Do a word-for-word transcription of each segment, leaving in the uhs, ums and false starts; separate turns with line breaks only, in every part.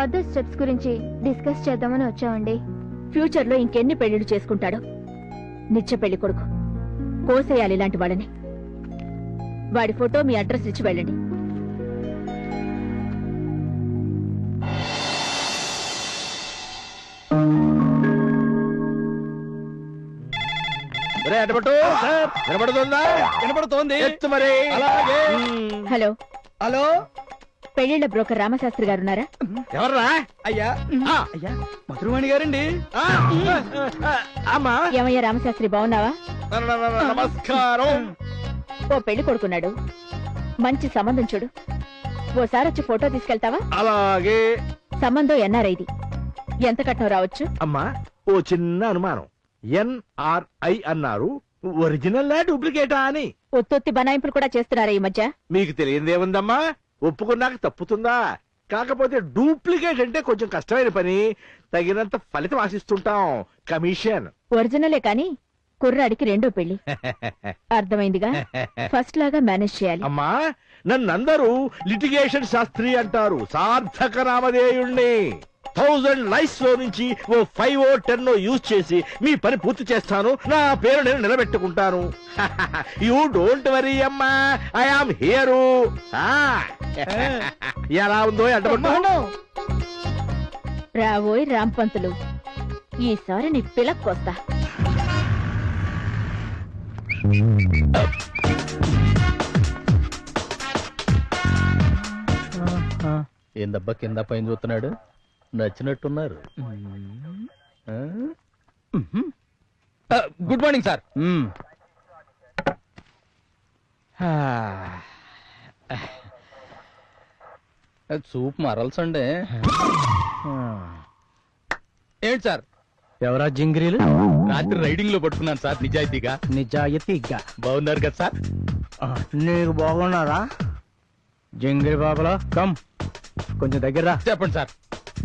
Further steps గురించి discuss చేద్దామని వచ్చామండి.
ఫ్యూచర్ లో ఇంకెన్ని పెళ్లిళ్ళు చేసుకుంటాడో. నిత్య పెళ్లి కొడుకు కోసేయాలి ఇలాంటి వాళ్ళని. వాడి ఫోటో మీ అడ్రస్ ఇచ్చి వెళ్ళండి. హలో
హలో,
పెళ్లిళ్ల బ్రోకర్ రామశాస్త్రి గారు ఉన్నారా?
ఎవర్రా? అయ్యా అయ్యా మధురవాణి గారండి.
ఏమయ్యా రామశాస్త్రి, బాగున్నావా?
నమస్కారం.
ఓ పెళ్లి కొడుకున్నాడు, మంచి సంబంధం చూడు. ఓసారి వచ్చి ఫోటో తీసుకెళ్తావా?
అలాగే.
సంబంధం ఎన్ఆర్ఐది. ఎంత కట్నం రావచ్చు?
అమ్మా, ఓ చిన్న అనుమానం. ఎన్ఆర్ఐ అన్నారు, ఒరిజినల్ డూప్లికేటా అని.
ఒత్తొత్తి బనాయింపులు కూడా చేస్తున్నారా ఈ మధ్య?
మీకు తెలియదేముందమ్మా, ఒప్పుకున్నాక తప్పుతుందా? కాకపోతే డూప్లికేట్ అంటే కొంచెం కష్టమైన పని, తగినంత ఫలితం ఆశిస్తుంటాం. కమిషన్.
ఒరిజినలే కాని కుర్రాడికి రెండో పెళ్లి. అర్థమైందిగా, ఫస్ట్ లాగా మేనేజ్ చేయాలి.
అమ్మా, నన్నందరూ లిటిగేషన్ శాస్త్రి అంటారు. సార్థక నామధేయుణ్ణి. థౌజండ్ లైఫ్స్ లో నుంచి O five O ten use చేసి మీ పని పూర్తి చేస్తాను. నా పేరు నేను నిలబెట్టుకుంటాను. యూ డోంట్ వరీ అమ్మా, ఐ ఆమ్ హియరు. ఎలా ఉందో అంటారు.
రావోయ్ రాంపంతులు, ఈసారి నీ పిలక్కొస్తా.
ఏందబ్బా కింద పైన చూస్తున్నాడు? నచ్చినట్టున్నారు.
Good morning sir.
సూప్ మరల్సండి.
ఏంటి సార్?
ఎవరా జింగిరీలు?
రాత్రి రైడింగ్ లో పట్టుకున్నాను సార్, నిజాయితీగా.
నిజాయితీగా
బాగున్నారు కదా సార్?
నీకు బాగున్నారా జింగిరి బాబులా? కమ్ కొంచెం దగ్గర.
చెప్పండి సార్.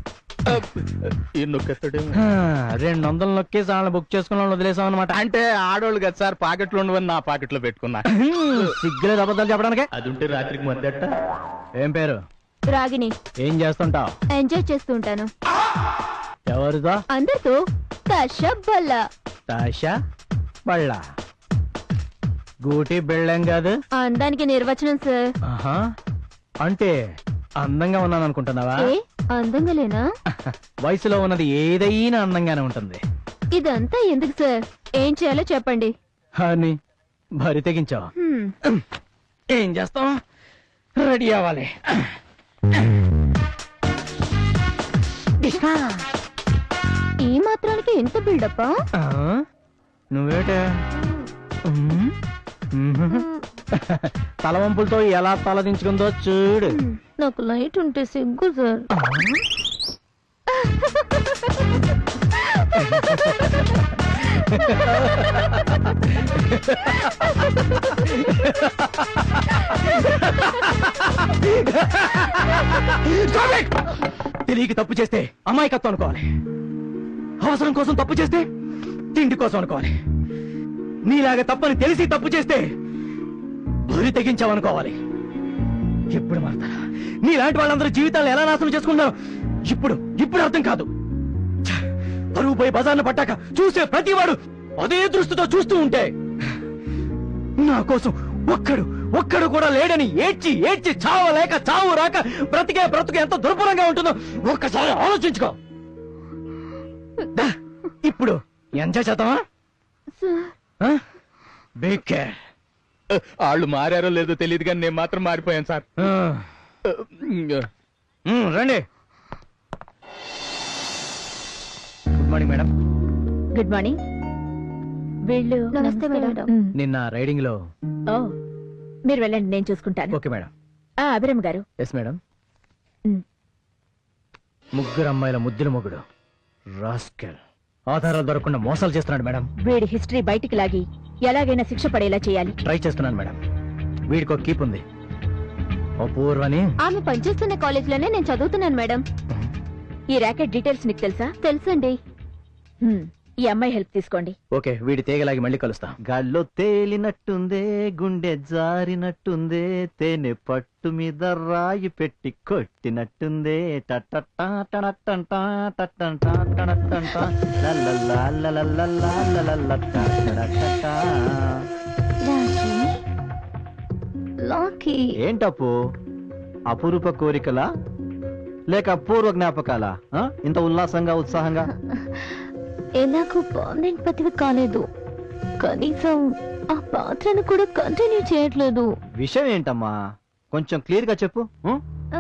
రెండు వందలు నొక్కేసి వాళ్ళని బుక్ చేసుకున్న వదిలేసాం అనమాట.
అంటే ఆడోళ్ళు కదా సార్, పాకెట్లో ఉండవని నా పాకెట్ లో పెట్టుకున్నా.
సిగ్గులేదు అబద్ధాలు చెప్పడానికి.
అది ఉంటే రాత్రికి మద్దట.
ఏం పేరు?
రాగిని.
ఏం చేస్తుంటావు?
ఎంజాయ్ చేస్తూ ఉంటాను.
ఎవరితో?
అందరితో. తషబ్బల్ల.
తాషా బళ్ళ గూటి బిళ్ళం కాదు.
అందానికి నిర్వచనం సార్.
ఆహా, అంటే అందంగా ఉన్నాను అనుకుంటున్నావా?
ఏ అందంగా లేనా?
వయసులో ఉన్నది ఏదైనా అందంగానే ఉంటుంది.
ఇదంతా ఎందుకు సార్? ఏం చేయాలో చెప్పండి.
అని భరి తెగించావు.
హ్మ్.
ఏం చేస్తాం? రెడీ అవ్వాలి.
ఈ మాత్రానికి ఎంత బిల్డప్పా?
ఆ, నువ్వేటే తలవంపులతో ఎలా తలదించుకుందో చూడు.
నాకు లైట్ ఉంటే సిగ్గు సార్.
తెలియక తప్పు చేస్తే అమాయకత్వం అనుకోవాలి. అవసరం కోసం తప్పు చేస్తే తిండి కోసం అనుకోవాలి. నీలాగా తప్పని తెలిసి తప్పు చేస్తే బరి తెగించావనుకోవాలి. ఎప్పుడు మారుతారా? నీలాంటి వాళ్ళందరూ జీవితాలు ఎలా నాశనం చేసుకున్నారో ఇప్పుడు ఇప్పుడు అర్థం కాదు. పరువు పోయి బజార్ను పట్టాక చూసే ప్రతివాడు అదే దృష్టితో చూస్తూ ఉంటే నా కోసం ఒక్కడు ఒక్కడు కూడా లేడని ఏడ్చి ఏడ్చి చావలేక చావు రాక బ్రతికే బ్రతుకు ఎంత దుర్భరంగా ఉంటుందో ఒక్కసారి ఆలోచించుకో. ఇప్పుడు ఎంజాయ్ చేద్దామా? Big care.
వాళ్ళు మారారో లేదో తెలియదు కానీ నేను మాత్రం మారిపోయాను సార్.
రండి. Good morning madam.
Good morning. వీళ్ళు
నమస్తే మేడం.
నిన్న రైడింగ్ లో.
ఓ, మీరు వెళ్ళండి, నేను చూసుకుంటాను.
Okay madam.
ఆ అభిరామ్ గారు.
Yes madam. ముగ్గురు అమ్మాయిల ముద్దుల మొగుడు రాస్కెల్ ఆధారాలు దొరకకుండా మోసాలు చేస్తున్నాడు మేడం.
వీడి హిస్టరీ బయటికి లాగి ఎలాగైనా శిక్ష పడేలా చేయాలి.
ట్రై చేస్తున్నాను మేడం. వీడికి ఒక కీప్ ఉంది, అపూర్వని.
ఆమె పనిచేస్తున్న కాలేజ్ లోనే నేను చదువుతున్నాను మేడం.
ఈ ర్యాకెట్ డీటెయిల్స్ నీకు తెలుసా?
తెలుసండి.
హ్మ్. ఈ అమ్మాయి హెల్ప్ తీసుకోండి.
ఓకే, వీడి తేగలాగి మళ్ళీ కలుస్తా. గాల్లో తేలినట్టుందే, గుండె జారినట్టుందే, తేనె పట్టు మీద రాయి పెట్టి కొట్టినట్టుందే, టట్టట్టా టనట్టంటా టట్టంటా టనట్టంటా లల్లల్లా లల్లల్లా లల్లల్లట్టా టడట్టా.
లాకీ
ఏంటప్పు, అపురూప కోరికలా లేక అపూర్వ జ్ఞాపకాలా? ఆ? ఇంత ఉల్లాసంగా ఉత్సాహంగా?
ఎలాగో పర్మనెంట్ పతివి కాలేదు, కనీసం ఆ పాత్రను కూడా కంటిన్యూ చేయట్లేదు.
విషయం ఏంటమ్మా, కొంచెం క్లియర్ గా చెప్పు. ఉం?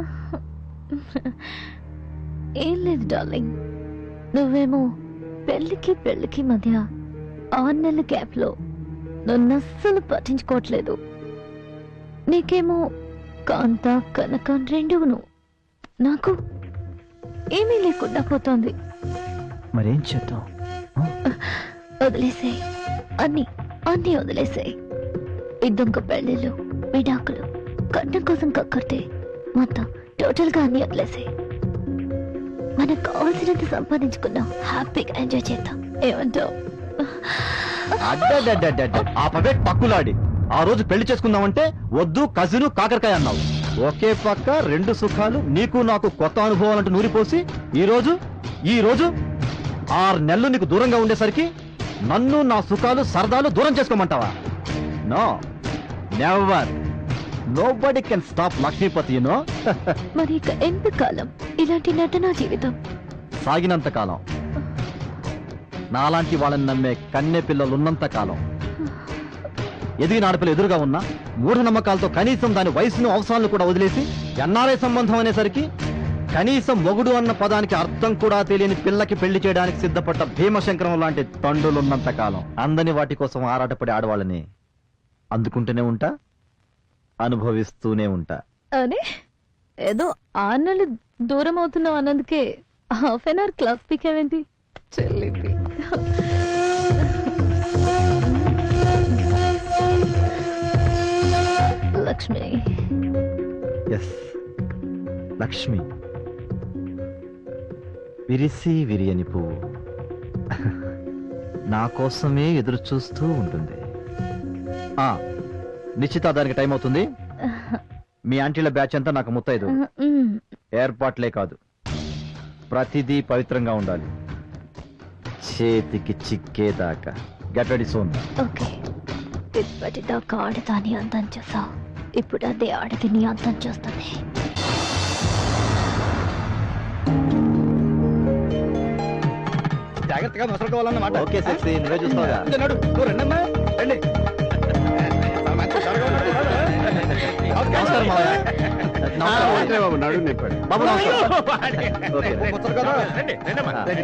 ఏం లేదు డార్లింగ్, నువ్వేమో పెళ్లికి పెళ్లికి మధ్య ఆరు నెలల గ్యాప్ లో నన్ను అస్సలు పట్టించుకోవట్లేదు. నీకేమో కాంత కనకం రెండును, నాకు ఏమీ లేకుండా పోతోంది.
మరేం చేద్దాం?
వదిలేసాయి, అన్ని అన్ని వదిలేసాయి. ఇద్దొంక పెళ్లిళ్ళు, విడాకులు, కట్నం కోసం కక్కర్తే మొత్తం టోటల్ గా అన్ని వదిలేసాయి. మనకు కావాల్సినంత సంపాదించుకున్నాం, హ్యాపీగా ఎంజాయ్ చేద్దాం. ఏమంటావు?
అడ్డడ్డడ్డడ్డ. ఆ పవే పక్కులాడి ఆ రోజు పెళ్లి చేసుకుందామంటే వద్దు కజిను కాకరకాయ అన్నావు. ఒకే పక్క రెండు సుఖాలు, నీకు నాకు కొత్త అనుభవాలంటూ నూరిపోసి ఈ రోజు ఈ రోజు ఆరు నెలలు నీకు దూరంగా ఉండేసరికి నన్ను నా సుఖాలు సరదాలు దూరం చేసుకోమంటావా? No, never. Nobody can stop Lakshmipati, you know.
మరి ఇక ఎంతకాలం ఇలాంటి నటనా జీవితం?
సాగినంత కాలం, నాలాంటి వాళ్ళని నమ్మే కన్నె పిల్లలు ఉన్నంత కాలం, ఎదిగిన ఆడపిల్ల ఎదురుగా ఉన్నా మూఢనమ్మకాలతో కనీసం దాని వయసును అవసరాలను కూడా వదిలేసి ఎన్ఆర్ఐ సంబంధం అనేసరికి కనీసం మొగుడు అన్న పదానికి అర్థం కూడా తెలియని పిల్లకి పెళ్లి చేయడానికి సిద్ధపడ్డ భీమశంకరం లాంటి తండ్రులున్నంత కాలం అందని వాటి కోసం ఆరాటపడే ఆడవాళ్ళని అందుకుంటూనే ఉంటా, అనుభవిస్తూనే ఉంటా.
అరే, ఏదో ఆరు నెలలు దూరం అవుతున్నావు అన్నందుకే హాఫ్ అన్ అవర్ క్లాస్ పీకేవేంటి చెల్లింది. లక్ష్మి.
ఎస్, లక్ష్మి. విరిసి విరియని పువ్వు నా కోసమే ఎదురు చూస్తూ ఉంటుంది. ఆ నిశ్చితార్థానికి టైం అవుతుంది. మీ ఆంటీల బ్యాచ్ అంతా నాకు ముత్తైదు. ఏర్పాట్లే కాదు, ప్రతిదీ పవిత్రంగా ఉండాలి, చేతికి చిక్కేదాకా. Get ready soon.
ఓకే, ఇప్పటిదాకా ఆడదాని అందం చూసావు, ఇప్పుడు అదే ఆడది నీ అందం చూస్తుంది.
జాగ్రత్తగా మసలుకోవాలన్నమాట. ఓకే సెక్సీ, నువ్వే చూస్తావుగా. నడు, నువ్వు రండమ్మా, రండి. నమస్కారం మావయ్య. నమస్కారం బాబు. నడు నింపాడు బాబు. నమస్కారం. ఓకే, రండి, రండమ్మా, రండి.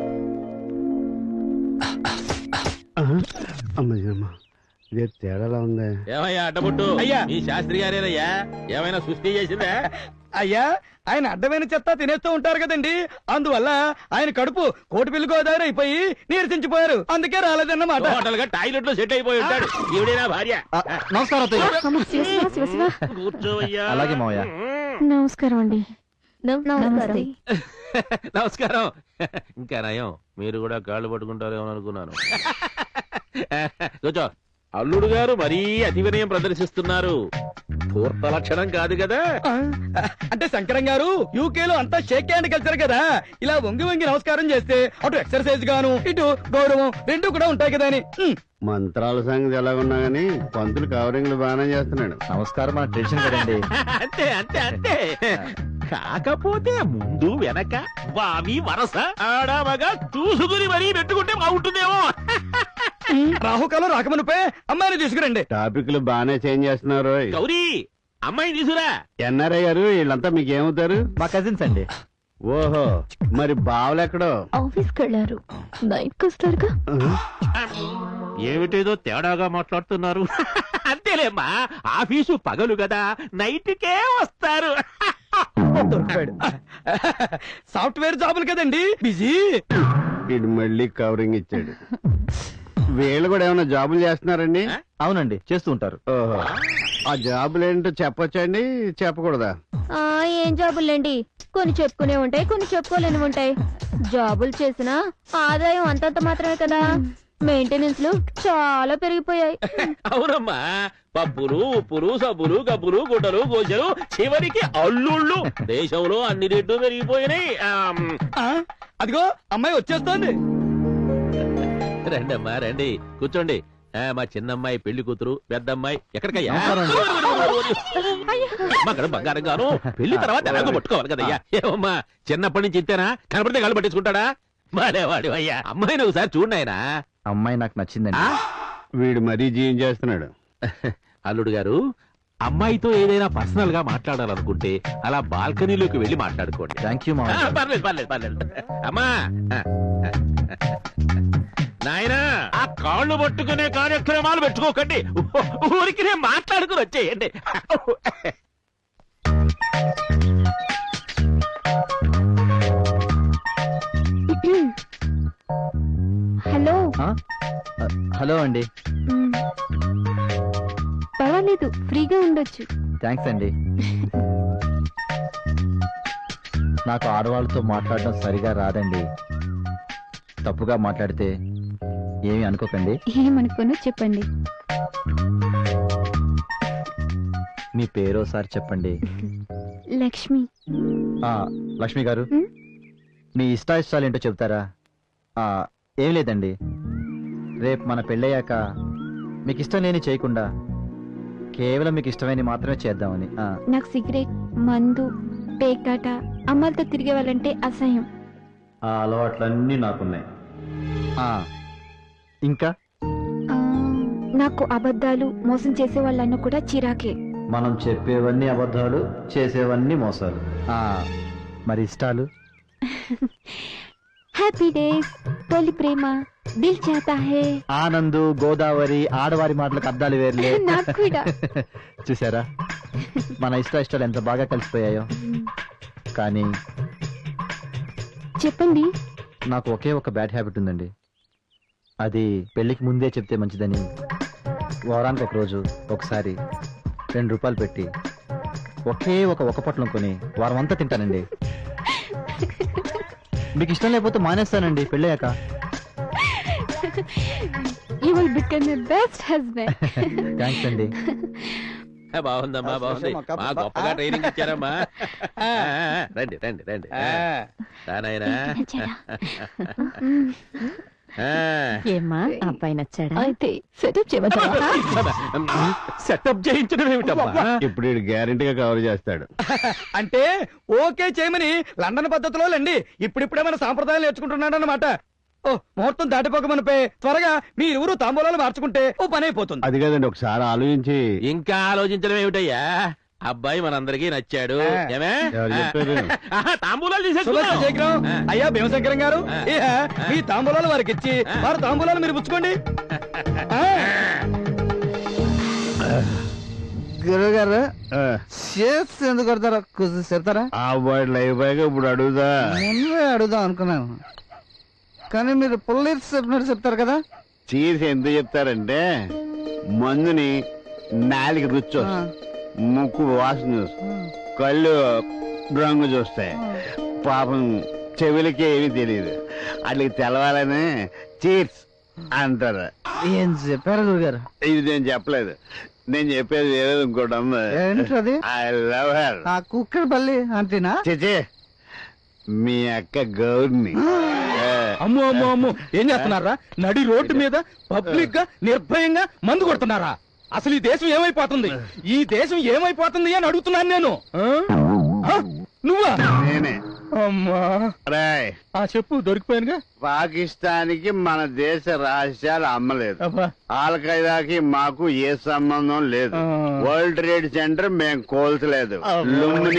అమ్మా, ఇదే తేడాలా ఉంది.
ఏమయ్యా అడ్డబుట్టు?
అయ్యా.
ఈ శాస్త్రి గారేనయ్యా, ఏమైనా సృష్టి చేసిందా?
అయ్యా, ఆయన అడ్డమైన చెత్త తినేస్తూ ఉంటారు కదండి, అందువల్ల ఆయన కడుపు కోటిపిల్లి గోదావరి అయిపోయి నీరసించిపోయారు, అందుకే రాలేదన్నమాట.
హోటల్ గా టాయిలెట్ లో సెట్ అయిపోయి ఉంటాడు. ఈవిడేనా భార్య?
ఆ, నమస్కారం అత్తయ్య.
కూర్చోవయ్యా.
అలాగే మావయ్య.
నమస్కారం అండి. నమస్కారం.
నమస్కారం. ఇంకా నయం, మీరు కూడా కాళ్ళు పట్టుకుంటారేమో అనుకున్నాను. కూర్చో. అల్లుడు గారు మరీ అతి వినయం ప్రదర్శిస్తున్నారు. పూర్త లక్షణం కాదు కదా.
ఆ, అంటే శంకరం గారు యూకేలో అంతా షేక్ హ్యాండ్ కల్చర్ కదా, ఇలా వంగి వంగి నమస్కారం చేస్తే అటు ఎక్సర్సైజ్ గాను ఇటు గౌరవం రెండు కూడా ఉంటాయి కదా అని. ఉమ్.
మంత్రాల సంగతి ఎలాగున్నా గానీ పంతులు కవరింగ్లు బాగానే చేస్తున్నాడు.
నమస్కారం, మన ట్రెడిషన్ కదండి.
అంతే అంతే అంతే. కాకపోతే ముందు వెనక వావి వరస ఆడామగా చూసుకుని మరీ పెట్టుకుంటే బాగుంటుందేమో.
రాహుకాలం రాకమునిపే అమ్మాయిని తీసుకురండి.
టాపిక్లు బాగానే చేంజ్ చేస్తున్నారు.
గౌరీ, అమ్మాయిని తీసురా.
ఎన్ఆర్ఐ గారు వీళ్ళంతా మీకేమవుతారు?
మా కజిన్స్ అండి.
ఓహో, మరి బావలెక్కడో?
ఆఫీస్కి వెళ్ళారు, నైట్కి వస్తారుగా.
ఏమిటేదో తేడాగా మాట్లాడుతున్నారు. అంతేలేమ్మా, ఆఫీసు పగలు కదా, నైట్కే వస్తారు.
దొరికాడు. సాఫ్ట్వేర్ జాబులు కదండి, బిజీ.
వీడు మళ్ళీ కవరింగ్ ఇచ్చాడు. వీళ్ళు కూడా ఏమైనా జాబులు చేస్తున్నారండి?
అవునండి, చేస్తూ ఉంటారు.
ఓహో, ఆ జాబులు ఏంటో చెప్పొచ్చండి, చెప్పకూడదా?
ఆ ఏం జాబులండి, కొన్ని చెప్పుకునే ఉంటాయి, కొన్ని చెప్పుకోలేని ఉంటాయి. జాబులు చేసినా ఆదాయం అంతంత మాత్రమే కదా, మెయింటెనెన్స్ లు చాలా పెరిగిపోయాయి.
అవునమ్మా, పప్పులు ఉప్పులు సబ్బులు గబ్బులు గుడ్డలు గోజలు చివరికి అల్లుళ్ళు దేశంలో అన్ని రేట్లు పెరిగిపోయినాయి. ఆమ్,
ఆ, అదిగో అమ్మాయి వచ్చేస్తోంది.
రండి అమ్మా రండి, కూర్చోండి. ఆ, మా చిన్నమ్మాయి పెళ్లి కూతురు, పెద్దమ్మాయి ఎక్కడికయ్యా? అక్కడ బంగారం గాను పెళ్లి తర్వాత ఎలాగో పట్టుకోవాలి కదయ్యా. ఏమమ్మా చిన్నప్పటి నుంచి ఇంతేనా? కనపడితే గాలి పట్టించుకుంటాడా? బాలేవాడు అయ్యా. అమ్మాయిని ఒకసారి చూడనాయనా.
అమ్మాయి నాకు నచ్చిందండి.
వీడు మరీ జీవం చేస్తున్నాడు.
అల్లుడు గారు, అమ్మాయితో ఏదైనా పర్సనల్ గా మాట్లాడాలనుకుంటే అలా బాల్కనీలోకి వెళ్లి మాట్లాడుకోండి.
థ్యాంక్ యూ
ఆ,
మావయ్య.
పర్లేదు పర్లేదు పర్లేదు. అమ్మా నాయనా, ఆ కాళ్ళు పట్టుకునే కార్యక్రమాలు పెట్టుకోకండి, ఊరికి నేను మాట్లాడుకుని వచ్చేయండి.
హలో.
ఆ? ఆ, హలో అండి.
మ్, పర్వాలేదు, ఫ్రీగా ఉండొచ్చు.
థ్యాంక్స్ అండి. నాకు ఆడవాళ్ళతో మాట్లాడడం సరిగా రాదండి. తప్పుగా మాట్లాడితే ఏమీ అనుకోకండి.
ఏమనుకోను చెప్పండి.
మీ పేరు ఒకసారి చెప్పండి.
లక్ష్మి.
ఆ, లక్ష్మి గారు,
ఉమ్?
మీ ఇష్టాయిష్టాలు ఏంటో చెప్తారా? ఆ, ఏం లేదండి, రేపు మన పెళ్ళయ్యాక మీకు ఇష్టం లేని చేయకుండా కేవలం మీకు ఇష్టమైన మాత్రమే చేద్దామని. ఆ,
నాకు సిగరెట్, మందు, పేకాట, అమ్మాయిలతో తిరిగే వాళ్ళంటే అసహ్యం.
ఆ అలవాట్లన్నీ నాకున్నాయి. ఆ, ఇంకా
ఆ, నాకు అబద్ధాలు, మోసం చేసే వాళ్ళన్న కూడా చిరాకే.
మనం చెప్పేవన్నీ అబద్ధాలు, చేసేవన్నీ మోసాలు. ఆ, మరి ఇష్టాలు?
హ్యాపీ డేస్, తొలి ప్రేమ, దిల్ చాతా హే.
ఆనందు, గోదావరి, ఆడవారి మాటలకు అర్థాలు వేర్లే.
నాకు కూడా.
చూసారా మన ఇష్ట ఇష్టాలు ఎంత బాగా కలిసిపోయాయో. కానీ
చెప్పండి.
నాకు ఒకే ఒక బ్యాడ్ హ్యాబిట్ ఉందండి. అది పెళ్లికి ముందే చెప్తే మంచిదని వారానికి ఒక రోజు ఒకసారి రెండు రూపాయలు పెట్టి ఒకే ఒక ఒక పొట్లం కొని వారం అంతా తింటానండి. మీకు ఇష్టం లేకపోతే మానేస్తానండి పెళ్ళయ్యాక.
You will become the best husband.
Thanks అండి.
బాగుందమ్మా, బాగుంది. మా గొప్పగా ట్రైనింగ్ ఇచ్చారమ్మా. ఆ, రండి రండి రండి.
ఆ,
నాయనా
ఏమ్మా, అబ్బాయి నచ్చాడా?
అయితే సెటప్ చేయమంటారా?
సెటప్ చేయించడం ఏమిటమ్మా?
ఇప్పుడు వీడు గ్యారెంటీగా కవర్ చేస్తాడు.
అంటే ఓకే చేయమని లండన్ పద్ధతిలో లేండి ఇప్పుడిప్పుడే మన సాంప్రదాయాలు నేర్చుకుంటున్నాడు అనమాట. ఓ ముహూర్తం దాటిపోకమనిపై త్వరగా మీ ఇరువురు తాంబూలాలు మార్చుకుంటే ఓ పని అయిపోతుంది.
అది కదండి, ఒకసారి ఆలోచించి.
ఇంకా ఆలోచించడం ఏమిటయ్యా? అబ్బాయి మనందరికీ నచ్చాడు. ఏమే
ఎవరు చెప్పారు?
ఆహా, తాంబూలాలు
శుభ
తీసేసుకున్నాం.
శేఖరం, అయ్యా భీమశంకరం గారు, ఇహ మీ తాంబూలాలు వారికి ఇచ్చి వారి తాంబూలాలు మీరు పుచ్చుకోండి. ఆ,
గురుగారు
ఆ,
షేప్స్ ఎందుకు కొడతారా? కొంచెం చెప్తారా?
ఆ వాడు అయిపోయాక ఇప్పుడు అడుగుదా.
ముందే అడుగుదాం అనుకున్నాను, కానీ మీరు పుల్లీర్స్ చెప్పినట్టు చెప్తారు కదా.
చీసి ఎందుకు చెప్తారంటే మందుని నాలుగు రుచి వస్తుంది, ముక్కు వాసన చూస్తాయి, కళ్ళు రంగు చూస్తాయి, పాపం చెవులకి ఏమీ తెలియదు. అట్లకి తెలవాలని చీర్స్ అంటారు.
ఏం చెప్పారు గురుగారు?
ఇది నేను చెప్పలేదు, నేను చెప్పేది వేరేది ఇంకోటి ఉంది.
ఏంటది?
I love her.
ఆ కుక్కర్ పల్లి అంతేనా?
చిచి, మీ అక్క గౌర్ని.
అమ్మో అమ్మో అమ్మో, ఏం చేస్తున్నారా? నడి రోడ్డు మీద పబ్లిక్ గా నిర్భయంగా మందు కొడుతున్నారా? అసలు ఈ దేశం ఏమైపోతుంది? ఈ దేశం ఏమైపోతుంది అని అడుగుతున్నాను నేను. ఆ? ఆ? నువ్వా?
నేనే.
అమ్మా,
రాయ్,
ఆ చెప్పు, దొరికిపోయానుగా.
పాకిస్తాన్కి మన దేశ రహస్యాలు అమ్మలేదు,
అబ్బా.
ఆల్ ఖైదాకి మాకు ఏ సంబంధం లేదు,
ఆ.
వరల్డ్ ట్రేడ్ సెంటర్ మేము కోల్చలేదు,
అబ్బా.
లుంబిని